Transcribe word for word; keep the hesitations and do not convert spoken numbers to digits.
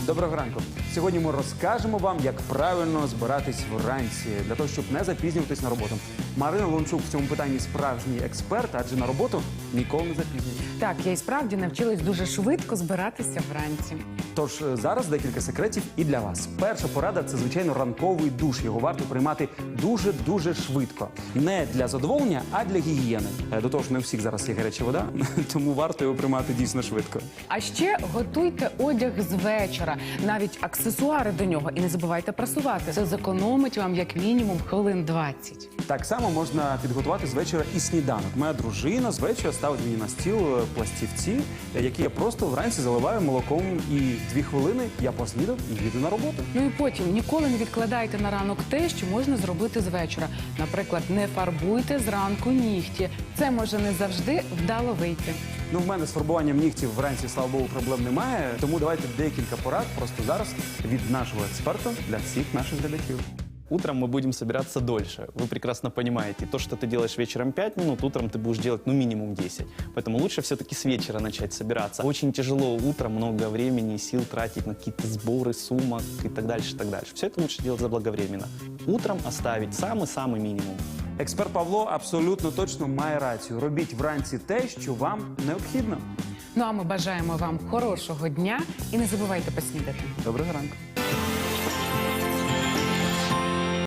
Доброго ранку. Сьогодні ми розкажемо вам, як правильно збиратись вранці, для того, щоб не запізнюватись на роботу. Марина Лончук в цьому питанні справжній експерт, адже на роботу ніколи не запізнюється. Так, я і справді навчилась дуже швидко збиратися вранці. Тож зараз декілька секретів і для вас. Перша порада – це, звичайно, ранковий душ. Його варто приймати дуже-дуже швидко. Не для задоволення, а для гігієни. До того ж, не у всіх зараз є гаряча вода, тому варто його приймати дійсно швидко. А ще готуйте одяг з вечора, навіть аксесуари до нього. І не забувайте прасувати. Це зекономить вам як мінімум хвилин двадцять. Так само можна підготувати з вечора і сніданок. Моя дружина з вечора ставить мені на стіл пластівці, які я просто вранці заливаю молоком, і дві хвилини я поснідав і їду на роботу. Ну і потім ніколи не відкладайте на ранок те, що можна зробити з вечора. Наприклад, не фарбуйте зранку нігті. Це може не завжди вдало вийти. Ну, в мене з фарбуванням нігтів вранці, слава Богу, проблем немає. Тому давайте декілька порад просто зараз від нашого експерта для всіх наших глядачів. Утром мы будем собираться дольше. Вы прекрасно понимаете, то, что ты делаешь вечером пять минут, утром ты будешь делать ну минимум десять. Поэтому лучше все-таки с вечера начать собираться. Очень тяжело утром много времени и сил тратить на какие-то сборы сумок и так дальше, и так дальше. Все это лучше делать заблаговременно. Утром оставить самый-самый минимум. Експерт Павло абсолютно точно має рацію. Робіть вранці те, що вам необхідно. Ну а ми бажаємо вам хорошого дня і не забувайте поснідати. Доброго ранку.